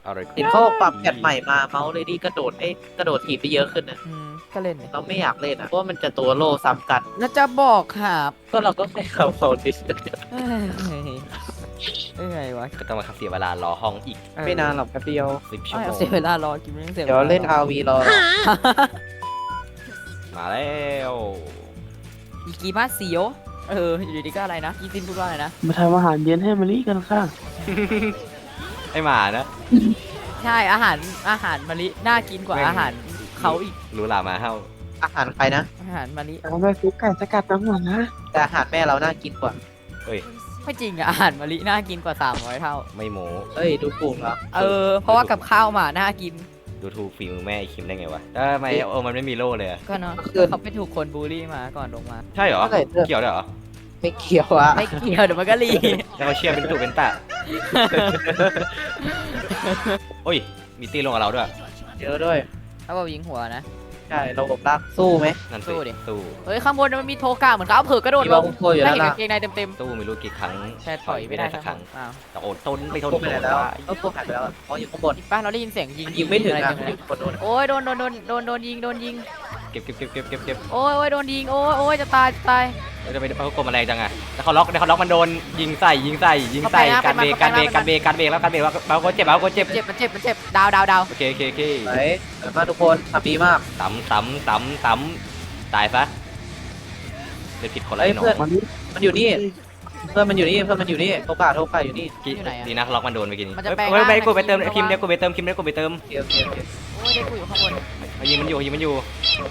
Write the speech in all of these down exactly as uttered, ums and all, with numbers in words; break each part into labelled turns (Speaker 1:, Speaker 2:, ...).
Speaker 1: อะไร
Speaker 2: เห็นเขาบอกปรับแพทใหม่มาเมาส์เลยดีกระโดดเอ้ยกระโดดถีบไปเยอะขึ้นนะ
Speaker 3: อืมก็เล่นเนี่ย
Speaker 2: เราไม่อยากเล่นอ่ะเพราะว่ามันจะตัวโล่ซ้ำกัน
Speaker 3: แล้วจะบอกครับ
Speaker 2: ก็เราก็แค่เขาเขาดิส
Speaker 3: เอ้ยเอ้ยไงวะ
Speaker 1: ก็ต้องมาเสียเวลารอห้องอีก
Speaker 3: เออ
Speaker 2: ไม่นานหรอกแป๊บเดียว
Speaker 1: สิบชั่ว
Speaker 3: เอา
Speaker 1: โมง
Speaker 3: เสียเวลารอกินไม่ต้องเสีย
Speaker 2: เดี๋ยวเล่น อาร์ วี รอ
Speaker 1: มาแล้ว
Speaker 3: อีกีมาเสียวเอออยู่ดีๆก็อะไรนะอีซินพูดว่าอะไรนะ
Speaker 4: มาทำอาหารเย็นให้มะลิกันค่ะ
Speaker 1: ไอหมานะ
Speaker 3: ใช่อาหารอาหารมะลิน่ากินกว่า
Speaker 1: แม่ง
Speaker 3: อาหารเขาอีก
Speaker 1: รู้หลามาเฮ้า
Speaker 2: อาหารใครนะ
Speaker 3: อาหารมะลิ
Speaker 4: เอาไปซุปไก่สกัดน้ำหวานนะ
Speaker 2: แต่อาหารแม่เราน่ากินกว่า
Speaker 1: เอ้ย
Speaker 3: ไม่จริงอะอาหารมะลิน่ากินกว่าสามร้อยเท่า
Speaker 1: ไม่โม้
Speaker 2: เอ้ยดูกลุ่มเหรอ
Speaker 3: เออเพราะว่ากับข้าวหมาน่ากิน
Speaker 1: ดูถูกฝีมือแม่ไอคิมได้ไงวะแต่ทำไมโอ้มันไม่มีโล่เลยอะ
Speaker 3: ก็เนาะเขาไปถูกคนบูลลี่มาก่อนลงมา
Speaker 1: ใช่เหรอ
Speaker 2: เท่าไหร่เด้อ
Speaker 1: เกี่ยวด้วยเหรอ
Speaker 2: ไม่เกี่ยวอะ
Speaker 3: ไม่เกี่ยวเดี๋ยวมันก็รี
Speaker 1: แล้วเขาเชียร์เป็นตุเป็นตะ โอ้ย มีตีลงกับเราด้วย
Speaker 2: เยอะด้วย
Speaker 3: เขาบอกยิงหัวนะ
Speaker 2: ใช่เราบบรักสู้ไหม
Speaker 1: นั่น
Speaker 3: สู้ดิ
Speaker 1: สู้
Speaker 3: เฮ้ยข้างบนมันมีโทกาเหมือนเขาเอาเผือกกระโดด
Speaker 2: มี
Speaker 3: ล
Speaker 2: บาง งคนอยู่
Speaker 3: ได้
Speaker 2: ด้าน
Speaker 3: เห็น
Speaker 2: ล่าง
Speaker 3: กางเกงในเต็ม
Speaker 1: สู้ไม่รู้กี่ครั้ง
Speaker 3: ๆแต่ถอยไม่ได้
Speaker 1: สักครั้ง
Speaker 3: อ้าว
Speaker 1: แต่โอนต้นไม่ทน
Speaker 2: พวกไปไหนแล้ว
Speaker 1: ว่า
Speaker 2: เออพวกหายไปแล้วอะอ๋ออยู่ข้างบน
Speaker 3: อีกป้าเราได้ยินเสียงยิง
Speaker 2: ยิงไม่ถึง
Speaker 3: อะไร
Speaker 2: นะ
Speaker 3: เต็มเลย
Speaker 2: คนโดน
Speaker 3: โอ้ยโดนโดนโดนโดนโดนยิงโดนยิง
Speaker 1: เก็บเก็บเก็บเก็บเก็บเก็บ
Speaker 3: โอ้ยโอ้ยโดนยิงโอ้ยโอ้ยจะตายจะตาย
Speaker 1: เราจะไปเขากลมอะไรจังอะแล้วเขาล็อกแล้วเขาล็อกมันโดนยิงใส่ยิงใส่ยิงใส่
Speaker 3: เขาไปนะ
Speaker 1: การเบรก
Speaker 3: ไป
Speaker 1: การ
Speaker 3: มา
Speaker 1: เบรก
Speaker 3: ไปมา
Speaker 1: การเบรกการเบรกแล้วการเบรกว่าเบาคนเจ็บเบาคนเจ็บ
Speaker 3: เจ็บมันเจ็บมันเจ็บดาวดาวดาว
Speaker 1: โอเคโอเคโอเค
Speaker 2: ไหนเดี๋ยวมาทุกคนทำดีมาก
Speaker 1: ตำตำตำตำตายซะเล่นผิดคนละ
Speaker 2: เอ้ย
Speaker 1: ไอ้หนอ
Speaker 2: เพื่อน
Speaker 4: มันนี้
Speaker 2: มันอยู่นี่เพื่อนมันอยู่นี่เพื่อนมันอยู่นี่โทกาโทกาอยู่นี่
Speaker 1: กี้ดีนะล็อกมันโดนไปกิน
Speaker 3: มันจะแปลง
Speaker 1: เฮ้ย
Speaker 3: ร่าง
Speaker 1: ไปกูไปเติม
Speaker 3: ใน
Speaker 1: คิม
Speaker 3: ทีม
Speaker 1: เดี๋ยวกูไปเติมคิมเดี๋ยวกูไปเติม
Speaker 2: โอเคโอเคโอเค
Speaker 3: โอ้ยได้กูอยู่ข้างบน
Speaker 1: เอายิงมันอยู่ยิงมันอยู่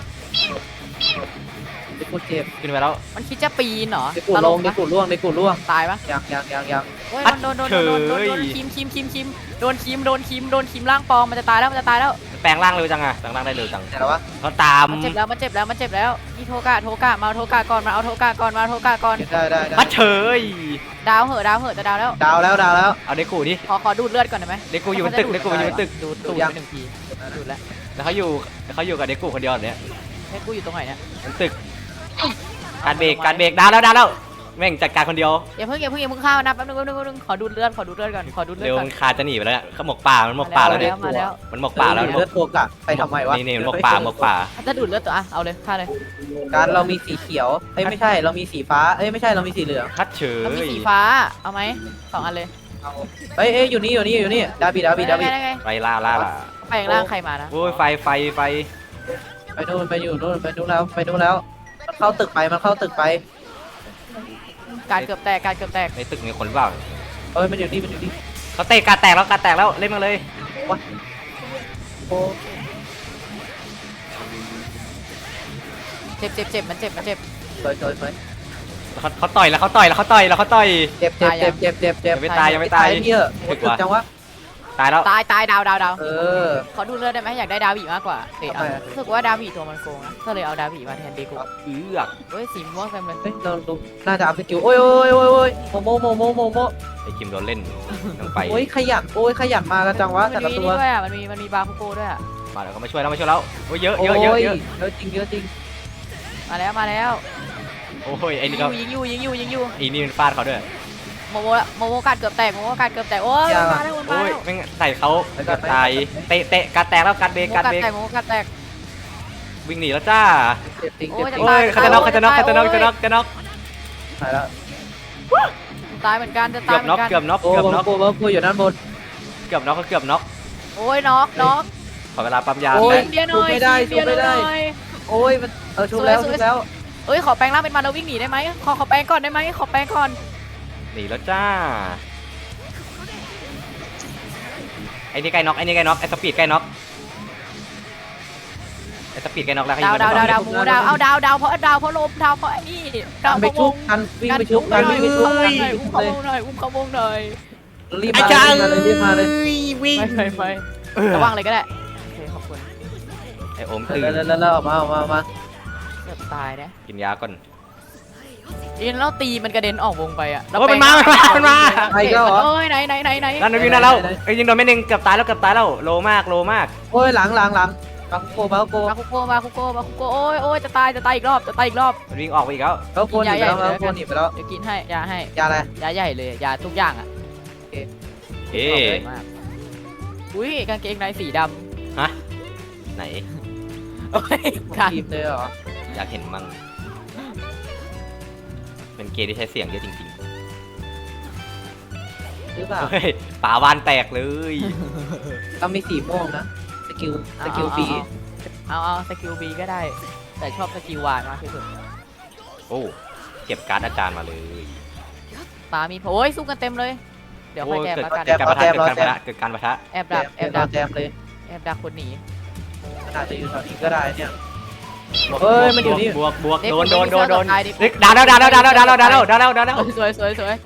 Speaker 2: เด็กกูเจ็บ
Speaker 1: ขึ้นไปแล้ว
Speaker 3: มันคิดจะปีนเหรอ
Speaker 2: เด็กกู
Speaker 3: ต
Speaker 2: ล
Speaker 3: ล
Speaker 2: ง
Speaker 3: ก
Speaker 2: เด็ก
Speaker 3: ปะ
Speaker 2: กูล่วงเด็กกูล่วง
Speaker 3: ตายปะ
Speaker 2: ยังยังยังยัง
Speaker 3: โอ้ยโดนโดนโดนโดนโดนโดนคิมคิมคิมคิมโดนคิมโดนคิมโดนคิมร่างปลอมมันจะตายแล้วมันจะตายแล้ว
Speaker 1: แปลงร่างเร็วจังอะแปลงร่างได้เร็วจัง
Speaker 2: ไหนแล้ววะ
Speaker 1: เขาตาม
Speaker 3: มันเจ็บแล้วมันเจ็บแล้วมันเจ็บแล้วนี่โทกะโทกะมาเอาโทกะก่อนมาเอาโทกะก่อนมาเอาโทกะก่อน
Speaker 2: ได้ได้ได้
Speaker 1: มาเฉย
Speaker 3: ดาวเหอะดาวเหอะจะดาวแล้ว
Speaker 2: ดาวแล้วดาวแล้ว
Speaker 1: เอาเด็กกูดิ
Speaker 3: ขอขอดูดเลือดก่อนได้ไหม
Speaker 1: เด็กกูอยู่บนตึกเด็กกูอยู่บนตึก
Speaker 3: ดูดตูดไปหนึ่งทีดูดแล้ว
Speaker 1: แล้วเขาอยู่เขาอยู่กับเด็กกูคนเดียวเนี่ย
Speaker 3: ให้กูอยู่ตรงไหนเนี่ย
Speaker 1: บนตึกการเบรกการเบรกดาวแล้วดาวแล้วแม่งจัดการคนเดียว
Speaker 3: อย่าเพิ่งอย่าเพิ่งอย่าเพิ่งเข้านะแป๊บนึงแป๊บนึงแป๊บนึงขอดูดเลือดขอดูดเลือดก่อนขอดูดเลือ
Speaker 1: เร็
Speaker 3: ด
Speaker 1: ว
Speaker 3: ก่อน
Speaker 1: มันคาจะหนีไปแล้วเนี่ยเขาหมกป่ามันหมกป่าแล้วเนี่ย
Speaker 3: มาแล้ว
Speaker 1: มันหมกป่าแล้ว
Speaker 2: เลือดโทกะไปทำไมวะ
Speaker 1: นี่นี่มันหมกป่าหมกป่า
Speaker 3: ถ้าดูดเลือดตัวอ่ะเอาเลยฆ่าเลย
Speaker 2: การเรามีสีเขียวเอ้ยไม่ใช่เรามีสีฟ้าเอ้ยไม่ใช่เรามีสีเหลือง
Speaker 1: คัดเฉย
Speaker 3: แล้วมีสีฟ้าเอาไหมสองอันเลย
Speaker 2: เอาเอ้ยเอ้ยอยู่นี่อยู่นี่อยู่นี่ดาบิดาบิดาบิ
Speaker 3: ได้ไง
Speaker 1: ไปล่าล่าล่า
Speaker 3: ไปร่างใครมานะ
Speaker 1: โอ้ยไฟไฟไฟ
Speaker 2: ไปนู่นไปอยู่นู่นไปนู่นแล้วไปนู่นแล้วมันเข้าตึกไปมันเข้าตึกไป
Speaker 3: การเกือบแตกการเกือบแตก
Speaker 1: ในตึกมีคนหรือเปล่า
Speaker 2: เอ้ยมันอยู่นี่มันอยู่นี่
Speaker 1: เขาเตะการแตกแล้วการแตกแล้วเล่นมาเลย
Speaker 2: โอ้
Speaker 3: เจ็บเจ็บเจ็บมันเจ็บมันเจ็บ
Speaker 2: สวยสวยสวย
Speaker 1: เขาเขาต่อยแล้วเขาต่อยแล้วเขาต่อยแล้วเขาต่อย
Speaker 2: เจ็บเจ็บเจ็บเจ็บเจ็บเจ็บ
Speaker 1: ยังไม่ตายยังไม่ตาย
Speaker 2: เยอะโอ้ตึกจังวะ
Speaker 1: ตายแล้ว
Speaker 3: ตายตายดาวดาวดาว
Speaker 2: เออ
Speaker 3: ขอดูเลือดได้ไหมอยากได้ดาวบีมากกว่าเฮ้ยเอา
Speaker 2: ทำไมอะ
Speaker 3: รู้สึกว่าดาวบีตัวมันโกงนะก็เลยเอาดาวบีมาแทนเดกู
Speaker 1: เอือก
Speaker 3: เฮ้ยสีม่วงเต็มเลย
Speaker 2: เฮ้ยเราดูน่าจะอัพสกิลโอ้ยโอ้ยโอ้ยโอ้ยโมโมโมโมโมโม
Speaker 1: ไอ้คิมโดนเล่นต้องไป
Speaker 2: โอ้ยขยันโอ้ยขยันมากันจังวะ
Speaker 3: มั
Speaker 2: แต่
Speaker 3: น
Speaker 2: ละ
Speaker 3: มี
Speaker 2: ตั
Speaker 3: นี่
Speaker 2: ว
Speaker 3: ด้วยอ่ะมันมีมันมีบาคุโกด้วยอ่ะ
Speaker 1: มาแล้วเขามาช่วยแล้วมาช่วยแล้วโอ้ยเยอะ
Speaker 2: โอ้
Speaker 1: เยอะเยอะเยอะ
Speaker 2: เยอะจริงเยอะจริง
Speaker 3: มาแล้วมาแล้ว
Speaker 1: โอ้ยไอ้
Speaker 3: ยิ
Speaker 1: นี่
Speaker 3: งอ
Speaker 1: ก็
Speaker 3: ยู่ยิงอยู่ยิงอยู่ยิงอยู่
Speaker 1: ไอ้นี่มันฟาดเขาด้วย
Speaker 3: โมโมโมโมกัดเกือบแตกโมโมกัดเกือบแตกโอ้ยมาแล้วมา
Speaker 1: โอ้ย
Speaker 3: แล้ว
Speaker 1: แม่งใส่เขาตายเตะเตะการแตกแล้วการเบร
Speaker 3: โม
Speaker 1: กการ
Speaker 3: กัด
Speaker 1: เบรก
Speaker 3: แตกโมกัดแตก
Speaker 1: วิ่งหนีแล้วจ้า
Speaker 2: เจ็บจริง
Speaker 3: โอ้
Speaker 2: เจ็บ
Speaker 3: ย
Speaker 2: จริง
Speaker 1: โอ้ยเขาจะน็อกเขาจะน็อกเขาจะน็อกจะน็อกจะน็อก
Speaker 2: ตายแล้ว
Speaker 3: ตายเหมือนกันจะ
Speaker 1: เกื
Speaker 3: ตา
Speaker 1: อย บ
Speaker 3: เหมื
Speaker 1: น็
Speaker 3: อ
Speaker 1: อก
Speaker 3: นกัน
Speaker 1: เกือบน็อก
Speaker 2: โอ้
Speaker 1: เกือบ
Speaker 2: โห
Speaker 1: น็อก
Speaker 2: โอ้โหโอ้อยู่ด้านบน
Speaker 1: เกือบน็อกก็เกือบน็อก
Speaker 3: โอ้ยน็อกน็อก
Speaker 1: ขอเวลาปั๊มยา
Speaker 2: โอ้ย
Speaker 1: แป๊บ
Speaker 3: เบียร์หน่อย
Speaker 2: ไม่ได้
Speaker 3: เบียร์ห
Speaker 2: ไม่ได้
Speaker 3: น่อย
Speaker 2: โอ้ยมันเออชุบแล้วชุบแล้ว
Speaker 3: เอ้ยขอแปลงร่างเป็นมันแล้ววิ่งหนีได้ไหมขอขอแปลงก่อนได้ไหมขอแปลงก่อน
Speaker 1: หนีแล้วจ้าไอ้นี่ใกล้น็อกไอ้นี่ใกล้น็อกไอ้สปีดใกล้น็อกไอ้สปีดใกล้น็อกแล้วเขา
Speaker 3: ดาว
Speaker 1: ยิง
Speaker 3: ดาวดาว
Speaker 1: มัน
Speaker 3: ดาวหมูดาวเอาดาวดาวเพราะดาวเพราะลมดาวเพราะไอ้นี่ดาว
Speaker 2: ไป
Speaker 3: เพราะว
Speaker 2: ชุบ
Speaker 3: ง
Speaker 2: กันวิ่งไปชุบกันวิ่งไปชุบกัน
Speaker 3: อุ้มเขาวงหน่อยอุ้มเขาวงหน่อย
Speaker 2: รีบมาเลยรีบมาเลย
Speaker 1: วิ่ง
Speaker 3: ไปไปไประวังเลยก็ได้โอเคขอบคุณ
Speaker 1: ไอ้โอม
Speaker 2: รี
Speaker 1: ตื่
Speaker 2: บมาน แล้วแล้วแล้วออกมาออกมาออกมา
Speaker 3: เกือบตายนะ
Speaker 1: กินยาก่อน
Speaker 3: อินแล้วตีมันกระเด็นออกวงไปอ่ะ
Speaker 1: โอ้ยมันมามันมามันมา
Speaker 2: ใครก็เหรอ
Speaker 3: โอ้ยไหนไหนไหนไหน
Speaker 1: นั่นวิ่งนั่นแล้วไอ้ยิงโดนไม่หนึ่งเกือบตายแล้วเกือบตายแล้วโลมากโลมาก
Speaker 2: โอ้ยหลังหลังหลังบังโกบังโก
Speaker 3: มาคุโกมาคุโกมาคุโกโอ้ยโอ้ยจะตายจะตายอีกรอบจะตายอีกรอบ
Speaker 1: มันวิ่งออกไปอีกแล้ว
Speaker 2: เขาโกนหนีไปแล้วเขาโกนหนีไปแล้ว
Speaker 3: เดี๋ยวกินให้ยาให้
Speaker 2: ยาอะไร
Speaker 3: ยาใหญ่เลยยาทุกอย่างอ่ะ
Speaker 1: เอ๊ะ
Speaker 3: มากอุ้ยกางเกงในสีด
Speaker 1: ฮะไหน
Speaker 3: ำโอ้ยกัน
Speaker 2: ทีมเลยเหรอ
Speaker 1: อยากเห็นมั่งเป็นเกย์ที่ใช้เสียงเยอะจริง
Speaker 2: หรือเปล่า
Speaker 1: ๆเฮ้ยป่าวานแตกเลย
Speaker 2: ต้องมีสีม่วงนะสกิลสกิลบี
Speaker 3: เอาเอาสกิลบีก็ได้ แต่ชอบสกิลวานมากที่สุด
Speaker 1: โอ้เก็บการ์ดอาจารย์มาเลย
Speaker 3: ปามีโอ้ยสู้กันเต็มเลย เดี๋ยวค่อยแจมแล้วกัน
Speaker 1: เกิดการประทะเกิดการประทะเกิดการประทะ
Speaker 3: แอบ
Speaker 2: แจ
Speaker 3: ดัก
Speaker 2: ม
Speaker 3: แอบ
Speaker 2: แจ
Speaker 3: ดั
Speaker 2: ม
Speaker 3: ก
Speaker 2: แจมเลย
Speaker 3: แอบดักคนหนี
Speaker 2: อาจจะอยู่แถวนี้ก็ได้เนี่ยเฮ้ยมันอยู่นี่
Speaker 1: บวกบวก
Speaker 3: เด็ก
Speaker 1: โดนโดนโดนโดน
Speaker 3: ตายดิ
Speaker 1: เด็กดาวดาวดาวดาวดาวดาวดาวดาวดาวดาวดาวดาวดาว
Speaker 3: สวยสวยสวย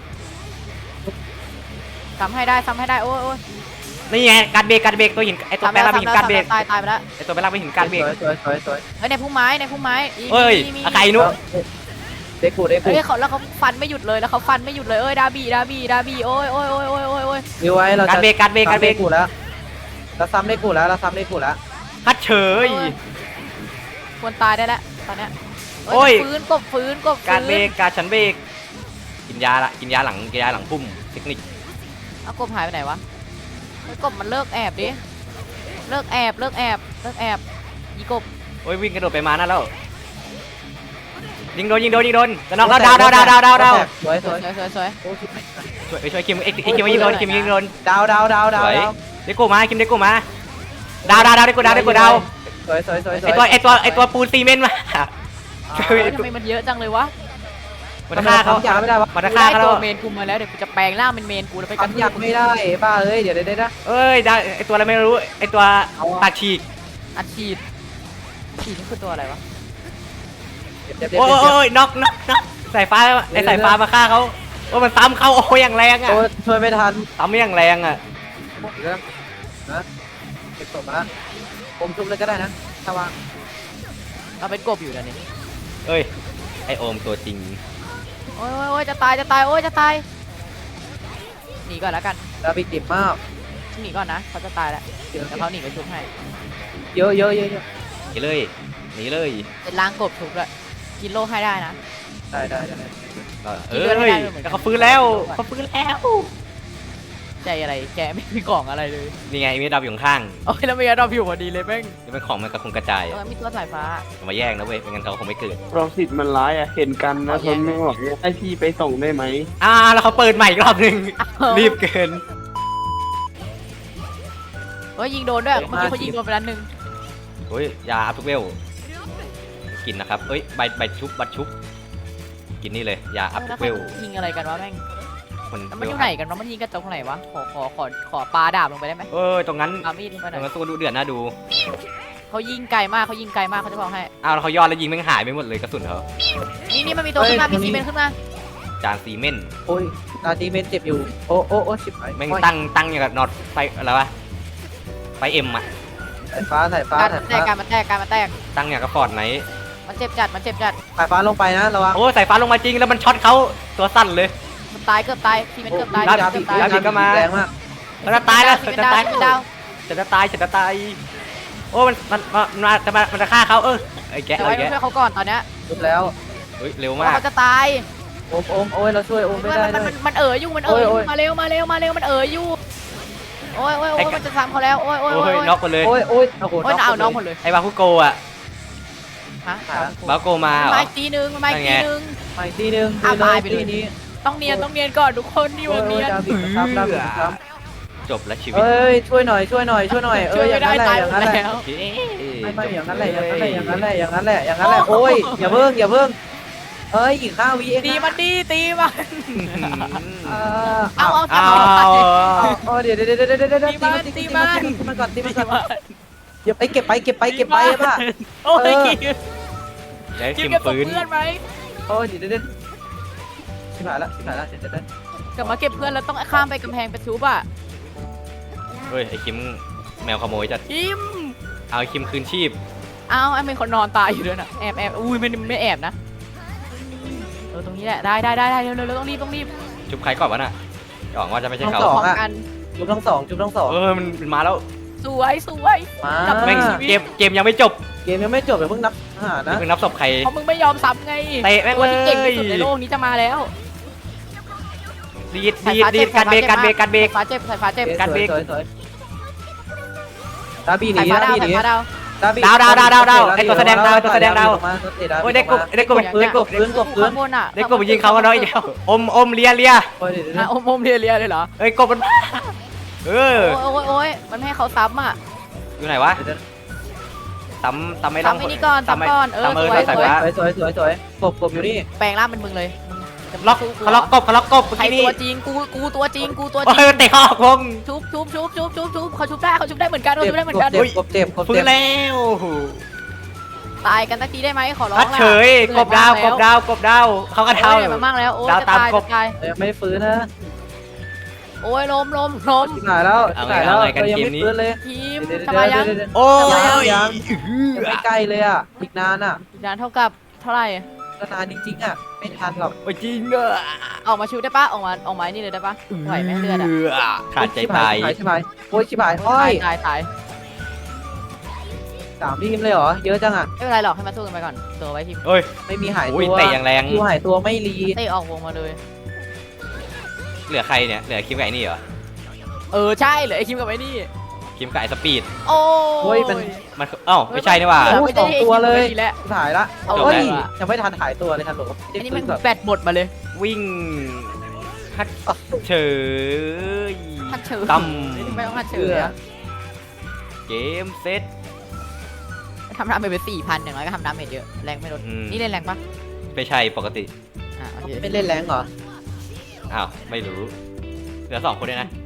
Speaker 3: ซ้ำให้ได้ซ้ำให้ได้โอ้ยโอ้ย
Speaker 1: นี่ไงการเบรกการเบรกตัวหินไอตัวแปลงร่างเป็นหินการเบรก
Speaker 3: ตายตายไปแล้ว
Speaker 1: ไอตัวแปลงร่างเป็นหินการเบรก
Speaker 2: สวยสวยสวยสวย
Speaker 3: เฮ้ยในพุ่มไม้ในพุ่มไม้อี
Speaker 1: เฮ้ย
Speaker 3: มีมี
Speaker 1: อาไก่นุ๊ก
Speaker 2: เด็กกูเด็กกู
Speaker 3: เฮ้ยเขาแล้วเขาฟันไม่หยุดเลยแล้วเขาฟันไม่หยุดเลยเอ้ยดาบีดาบีดาบีโอ้ยโอ้ยโอ้ยโอ้ยโอ้ยโอ้ย
Speaker 2: วิวไว้เรา
Speaker 1: การ
Speaker 2: จะ
Speaker 1: เบรกการเบรกการเบรก
Speaker 2: กูแล้วเราซ้ำได้กูแล้วเราซ้ำได้กูแล้ว
Speaker 1: ฮัดเฉย
Speaker 3: ควรตายได้แล้วตอนเนี้ย
Speaker 1: โอ้ย
Speaker 3: ฟื้นกบฟื้นกบฟื้น
Speaker 1: การเบรกการฉันเบรกกินยาละกินยาหลังกินยาหลังพุ่มเทคนิค
Speaker 3: เอากบหายไปไหนวะเฮ้ยกบมันเลิกแอบดิเลิกแอบเลิกแอบเลิกแอบยีกบ
Speaker 1: โอ้ยวิ่งกระโดดไปมานั่นแล้วยิงโดนยิงโดนยิงโดนจะน็อกแล้วดาวดาวดาวดาวดาวดาว
Speaker 2: สวย
Speaker 3: ส
Speaker 2: ส
Speaker 3: ว
Speaker 2: วย ย
Speaker 3: สวยสวยสวย
Speaker 2: โอ้ชิบหาย
Speaker 1: ช่วยช่วยคิมเอ็กซ์คิมยิงโดนคิมยิงโดน
Speaker 2: ดาวดาวดาวดาว
Speaker 1: สวย
Speaker 2: ดาว
Speaker 1: เด็กกูมาคิมเด็กกูมาดาวดาวดาวเด็กกูดาวเด็กกูดาว
Speaker 2: สวยสวยสวยส
Speaker 1: ไอ
Speaker 2: วย
Speaker 1: ตัวไอตัวไอตัวปูนซีเมนต์มา
Speaker 3: เฮ้ยทำไมมันเยอะจังเลยวะ
Speaker 1: มันจะฆ่าเขา
Speaker 2: อยากไม่ได้วะ
Speaker 1: มันจะ
Speaker 3: กู
Speaker 1: ฆ่า
Speaker 3: ได้
Speaker 1: เขา
Speaker 3: ตัว
Speaker 1: แล้ว
Speaker 3: เมนกูมาแล้วเดี๋ยวกูจะแปลงร่างเป็นเมนกูแล้วไปกัน
Speaker 2: ทำอยากไม่ได้บ้าเอ้ยเดี๋ยวเดี๋ยวเดี๋ยว
Speaker 1: เอ้ยได้ไอตัวอะไรไม่รู้ไอตัวปากฉีก
Speaker 3: อัดฉีดฉีดนี่คือตัวอะไรวะ
Speaker 2: เดี๋ยวเดี๋ยว
Speaker 1: โอ้
Speaker 2: เดี๋ยว
Speaker 1: โอ้ยน็อกน็อกน็อกสายฟ้าไอสายฟ้ามาฆ่าเขาโอ้มันซ้ำเขาโอ้ยอย่างแรงอ่ะ
Speaker 2: โอ้ช่วยไม่ทัน
Speaker 1: ซ้ำอย่างแรงอ่ะ
Speaker 2: เรื่องนะเก็บศพมาผมจุ่มเลยก็ได้นะถ้าว่าง
Speaker 3: เราเป็นกบอยู่นะนี่
Speaker 1: เอ้ยไอโอมตัวจริง
Speaker 3: โอ้ยโอ้ยโอ้ยจะตายจะตายโอ้ยจะตายหนีก่อนแล้วกัน
Speaker 2: ดาบิติดมาก
Speaker 3: หนีก่อนนะเขาจะตายแล้ว
Speaker 2: เยอะ
Speaker 3: เดี๋ยวเขาหนีไปชุบให้
Speaker 2: เยอะเยอะเยอะเยอะ
Speaker 1: หนีเลยหนีเลย
Speaker 3: เป็นล้างกบชุบเลยกินโลให้ได้นะ
Speaker 2: ได้ได้ได้
Speaker 1: เอ้ยเขาฟื้นแล้วเขาฟื้นแล้ว
Speaker 3: ใจอะไรแกไม่มีกล่องอะไรเลย
Speaker 1: นี่ไงมีดาวอยู่ข้าง
Speaker 3: โอ้ยแล้วมีเราผิวพอดีเลยแม่ง
Speaker 1: นี่เป็นของมันกระคงกระจาย
Speaker 3: เออมีตัวสายฟ้า
Speaker 1: อย่ามาแย่งนะเว้ยไม่งั้นเขาคงไม่เกิด
Speaker 4: รองสิทธิ์มันร้ายอ่ะ เห็นกันนะทนไม่ไหวให้พี่ไปส่งได้ไหม
Speaker 1: อ่าแล้วเขาเปิดใหม่อีกรอบหนึ่งรีบเกิน
Speaker 3: เฮ้ยยิงโดนด้วยเมื่อกี้เขายิงโดนไปแล้วหนึ่ง
Speaker 1: โอ้ยยาอัพทุกเวลกินนะครับเอ้ยใบใบชุบบัตรชุบกินนี่เลยยาอัพทุ
Speaker 3: แล้ว
Speaker 1: กเวล
Speaker 3: ยิงอะไรกันวะแม่ง
Speaker 1: มัน
Speaker 3: แล้วมันอยู่ไหนกันวะมันยิงกระจกไหนวะขอขอขอขอปลาดาบลงไปได้ไหม
Speaker 1: เออตรงนั้น
Speaker 3: เอามีดลงไปห
Speaker 1: ต
Speaker 3: น่
Speaker 1: ร
Speaker 3: อง ย
Speaker 1: นั้นสู้ดูเดือดน่าดู
Speaker 3: เขายิงไกลมากเขายิงไกลมากเขาจะบอกให้
Speaker 1: อ้าวแล้วเขาย้อนแล้วยิงแม่งหายไปหมดเลยกระสุนเขา
Speaker 3: นี่นี่มันมีตัวขึ้นมามีซีเมนต์ขึ้นมา
Speaker 1: จานซีเมนต์
Speaker 2: โอ้ยตาดีเมนเจ็บอยู่โอ้โอ้โอ้ชิบหาย
Speaker 1: แม่งตั้งตั้งอย่างกับน็อตไฟอะไรวะไฟเอ็มอะ
Speaker 2: สายฟ้าสายฟ้า
Speaker 3: การ
Speaker 2: สา
Speaker 3: มั
Speaker 2: ย
Speaker 3: นแต
Speaker 2: ฟ้าก
Speaker 3: การมันแตกการมันแตก
Speaker 1: ตั้งอย่างกับฟอร์ดไหน
Speaker 3: มันเจ็บจัดมันเจ็บจัด
Speaker 2: สายฟ้าลงไปนะระวัง
Speaker 1: โอ้สายฟ้าลงมาจริงแล้วมันช็อตเขาตัวสั้นเลย
Speaker 3: มันตายเกือบตายซีเมนต์เกือบตาย
Speaker 1: ดาบ
Speaker 3: เกือบตาย
Speaker 1: ดาบ ก็มา
Speaker 2: แรงมาก
Speaker 1: มันจะตายแล้ว
Speaker 3: ซี
Speaker 1: มัน
Speaker 3: เมน
Speaker 1: จะ
Speaker 3: ต์ดาว
Speaker 1: ตาย
Speaker 3: ซีเมนต์ดาว
Speaker 1: จะจะตายจะจะตายโอ้มันมันมันมันจะมามันจะฆ่าเขาเออไอ้แกะ
Speaker 3: เดี๋ยว
Speaker 1: ไอ้
Speaker 3: ไว้
Speaker 1: แกะ
Speaker 3: ช่วยเขาก่อนตอนเนี้ย
Speaker 2: จุบแล้ว
Speaker 1: เฮ้ยเร็ว
Speaker 3: เพราะ
Speaker 1: มาก
Speaker 3: เขาจะตาย
Speaker 2: โอมโอมโอ้ยเราช่วยโอมไม่
Speaker 3: มัน
Speaker 2: ได้
Speaker 3: มัน
Speaker 2: เล
Speaker 3: มัน
Speaker 2: ย
Speaker 3: มันเอ๋ออยู่มันเอ๋ออ
Speaker 2: โอ้
Speaker 3: ยู่
Speaker 2: ย
Speaker 3: มาเร็วมาเร็วมาเร็วมันเอ๋ออยู่โอ้ยโอ้ยโอ้ยมันจะซ้ำเขาแล้วโอ้ยโอ้ย
Speaker 1: โอ้
Speaker 3: โอ้
Speaker 1: ย
Speaker 3: ย
Speaker 1: น็อกหมดเลย
Speaker 2: โอ้ยโอ้ยโอ้โห
Speaker 3: โอ้ยน่าเอาน้องหมดเลย
Speaker 1: ไอ้บาคุโกะ
Speaker 3: ฮะ
Speaker 1: บาคุโกมาเหรอ
Speaker 3: มาอีกทีนึงมาอีกทีนึง
Speaker 2: มาอีกทีนึง
Speaker 3: อ่ะตายไปเลย
Speaker 2: ทีนี้
Speaker 3: ต้องเนียนต้องเนียนก่อนทุกคนนี่
Speaker 2: โอ้
Speaker 3: วั
Speaker 2: ย
Speaker 3: น
Speaker 2: โอ้
Speaker 3: เนี
Speaker 2: ย
Speaker 3: ยน
Speaker 2: ดาบิดครับดาบิดครับ
Speaker 1: จบแล้วชีวิต
Speaker 2: เอ้ยช่วยหน่อยช่วยหน่อยช่วยหน่อยเอ
Speaker 3: ช่ว
Speaker 2: อย อ
Speaker 3: ไม่
Speaker 2: ย่าง
Speaker 3: ได้
Speaker 2: นั้นแหละ
Speaker 3: ตาย
Speaker 2: อย่าง
Speaker 3: หม
Speaker 2: นั้น
Speaker 3: ด
Speaker 2: แหละ
Speaker 3: แล้ว
Speaker 2: ไม่ไม่อย่างนั้นแหละอย่างนั้นแหละอย่างนั้นแหละอย่างนั้นแหละอย่างนั้นแหละโอ้ยอย่าเพิ่งอย่าเพิ่งเอ้ยอีกห้าวิเอง
Speaker 3: ตีมันดีตีมัน
Speaker 2: อ่า
Speaker 3: เอาเอา
Speaker 1: เอา
Speaker 3: จับ
Speaker 1: เอา
Speaker 2: โอ้เดี๋ยวเดี๋ยวเดี๋ยวเดี๋ยวเดี๋ยวเดี๋ยว
Speaker 3: ตีมันตีมัน
Speaker 2: ตีมันก่อนตีมันก่อนเก็บไปเก็บไปเก็บไปเก็บไปป่ะ
Speaker 3: โอ้ย
Speaker 1: เดี๋ยว
Speaker 3: คิ
Speaker 1: คิ
Speaker 3: ว
Speaker 1: ม
Speaker 3: เก็บศพ
Speaker 1: ฟื้น
Speaker 3: เพื่อนไหม
Speaker 2: โอ้ยเดี๋ยวเดี๋ยวเดี๋ยวชิบหายละชิบหายละเดี๋ยวเดี๋ยวเดี๋ยว
Speaker 3: กลับมาเก็บเพื่อนแล้วต้องข้ามไปกำแพงไปทุบอ่ะ
Speaker 1: เฮ้ยไอ้คิมแมวขโมยจัด
Speaker 3: คิม
Speaker 1: เอาไอ้คิมคืนชีพ
Speaker 3: เอาไอ้เป็นคนนอนตายอยู่ด้วยนะแอบแอบอุ้ยไม่ไม่แอบนะเออตรงนี้แหละได้ได้ได้ได้เร็วเร็วเร็วต้องรีบต้องรีบ
Speaker 1: ชุบใครก่อนวะน่ะหวังว่าจะไม่ใช่
Speaker 2: ทั้ง
Speaker 1: เขา
Speaker 2: สอง
Speaker 3: พร้อม
Speaker 2: อ่ะ
Speaker 3: กัน
Speaker 2: จุบทั้งสองจุบทั้งสอง
Speaker 1: เออมันมันมาแล้ว
Speaker 3: สวยสวย
Speaker 2: มา
Speaker 3: จับ
Speaker 1: แม่งเกมเกมยังไม่จบ
Speaker 2: เกมยังไม่จบเลยเพิ่งนับหานะ
Speaker 1: เพิ่งนับศพใคร
Speaker 3: เพราะมึงไม่ยอมซ้ำไง
Speaker 1: เตะแม่ง
Speaker 3: ตัวที่เก่ง
Speaker 1: เลย
Speaker 3: ที่สุดในโลกนี้จะมาแล้ว
Speaker 1: ดีดดีดดีดการเบรกการเบรกการเบรก
Speaker 3: สายฟ้าเจ็บสายฟ้าเจ็บ
Speaker 1: การเบรก
Speaker 2: สวยสวยดาบีห
Speaker 3: ไข่
Speaker 2: นี
Speaker 3: ฟ้า
Speaker 2: ดา
Speaker 3: ดาว
Speaker 2: บีห
Speaker 3: ไข่
Speaker 2: นี
Speaker 3: ฟ้าดาว
Speaker 2: ดาบี
Speaker 1: ดาวดาวดาวดาวดาวไอ้ตัวแสดงดาวไอ้ตัวแสดงดาว โอ้ยได้กบได้กบ
Speaker 2: พื้น
Speaker 1: ได้ก
Speaker 2: ก
Speaker 1: บบ
Speaker 2: พื้นกบพื้น
Speaker 3: ข้างบนอ่ะ
Speaker 1: ได้กบไปยิงเขากันเนาะไอ้เดียวอมอมเลียเลีย
Speaker 2: โอ้ยเดี๋ยว
Speaker 3: อ่ะอมอมเลียเลียเลยเหรอ
Speaker 1: เอ้ยกบมันเออ
Speaker 3: โอ้ยโอ้ยโอ้ยมันไม่ให้เขาซ้ำอ่ะ
Speaker 1: อยู่ไหนวะตำตำไม่ต้อง
Speaker 3: ซ้ำไอ้นี่ก่อน
Speaker 1: ตำไม่
Speaker 3: ซ้ำก่อนเออ
Speaker 1: ตำเออ
Speaker 3: สวย
Speaker 1: ใส่
Speaker 3: สวย
Speaker 1: ฟ้า
Speaker 2: สวยสวยสวยสวยกบกบอยู่นี่
Speaker 3: แปลงร่างเป็นมึงเลยมึงจะมา
Speaker 1: ล็อก
Speaker 3: สู้
Speaker 1: เขาล็อกกบเขาล็อกกบเมื่อ
Speaker 3: ใคร
Speaker 1: กี้นี่
Speaker 3: ตัวจริงกูกูตัวจริงกูตัวจ
Speaker 1: โอ้
Speaker 3: ริ
Speaker 1: ย
Speaker 3: ง
Speaker 1: เตะเขาออกวง
Speaker 3: ชุบชุบชุบชุบชุบชุบเขาชุบได้เขาชุบได้เหมือนกันเขา
Speaker 2: เจ็บ
Speaker 3: ชุบได้เหมือนกัน
Speaker 2: กบเจ็บกบเจ็บกบ
Speaker 1: ฟื้
Speaker 2: เจ็
Speaker 1: น
Speaker 2: บ
Speaker 1: แล้ว
Speaker 3: ตายกันสักทีได้ไหมขอร้อง
Speaker 1: พัด
Speaker 3: ล่ะ
Speaker 1: เฉยกบดาวกบดาวกบดาวเขากระ
Speaker 3: เท่า
Speaker 1: เทา
Speaker 3: มามากแล้วโอ้ย
Speaker 1: ดาว
Speaker 3: จะ
Speaker 1: ตาม
Speaker 3: ตาย
Speaker 1: ก
Speaker 3: จะ
Speaker 1: บ
Speaker 3: ตาย
Speaker 2: ยังไม่ฟื้นนะ
Speaker 3: โอ้ยล้มล้มล้ม
Speaker 2: หายแล้วหายแล้วยังไม่ฟื้นเลย
Speaker 3: ทีม
Speaker 2: เดี๋ยว
Speaker 3: ทำไมยัง
Speaker 1: โอ้ย
Speaker 2: ยังไม่ใกล้เลยอ่ะอีกนานอ่ะ
Speaker 3: อีกนานเท่ากับเท่าไหร่
Speaker 2: ก็นานจริงๆอ่ะไม่ทันหรอก
Speaker 1: โอ้ยจริงเนอะ
Speaker 3: ออกมาชิวได้ปะออกมาออกมานี่เลยได้ปะไหวไหมเลือดอ่ะ
Speaker 1: ขาดใจตาย
Speaker 2: ชิบหายโอ้ยชิบหายโอ้
Speaker 3: ตาย
Speaker 2: ย
Speaker 3: ตายตาย
Speaker 2: สามทีมเลยเหรอเยอะจังอ่ะ
Speaker 3: ไม่เป็นไรหรอกให้มาสู้กันไปก่อนตัวไว้ทีม
Speaker 1: เอ้ย
Speaker 2: ไม่มีหาย
Speaker 1: โอ้ย
Speaker 2: ตัว
Speaker 1: เตะอย่างแรง
Speaker 2: คิวหายตัวไม่รี
Speaker 3: เตะออกวงมาเลย
Speaker 1: เหลือใครเนี่ยเหลือคิมไก่นี่เหรอ
Speaker 3: เออใช่เหลือไอคิมกับไอ้นี่
Speaker 1: คิมไก่สปีด
Speaker 3: โอ้
Speaker 2: โอ้ยเป็น
Speaker 1: มันเอ้าไม่ใช่นี่หว่า
Speaker 3: เหลื
Speaker 2: โอ้ยสองตัวเลย
Speaker 3: ไม่ได้
Speaker 2: หายละ
Speaker 3: เอา
Speaker 2: โอ้ย
Speaker 3: เลยว่ะ
Speaker 2: ยังไม่ทันหายตัวเลยทันหลบ
Speaker 3: อันนี้มันแบตหมดมาเลย
Speaker 1: วิ่งฮัดเฉย
Speaker 3: ฮัดเฉย
Speaker 1: ตั้ม
Speaker 3: ไม่ต้องฮัดเฉยอะ
Speaker 1: เกมเซ็ต
Speaker 3: ทำดาเมจไปสี่พันอย่างน้อยก็ทำดาเมจเยอะแรงไม่ลด
Speaker 1: อืม
Speaker 3: นี่เล่นแรงปะ
Speaker 1: ไม่ใช่ปกติ
Speaker 3: อ่ะโอเค
Speaker 2: ไม่เล่นแรงเหรอ
Speaker 1: อ้าวไม่รู้เหลือสองคนเลยนะ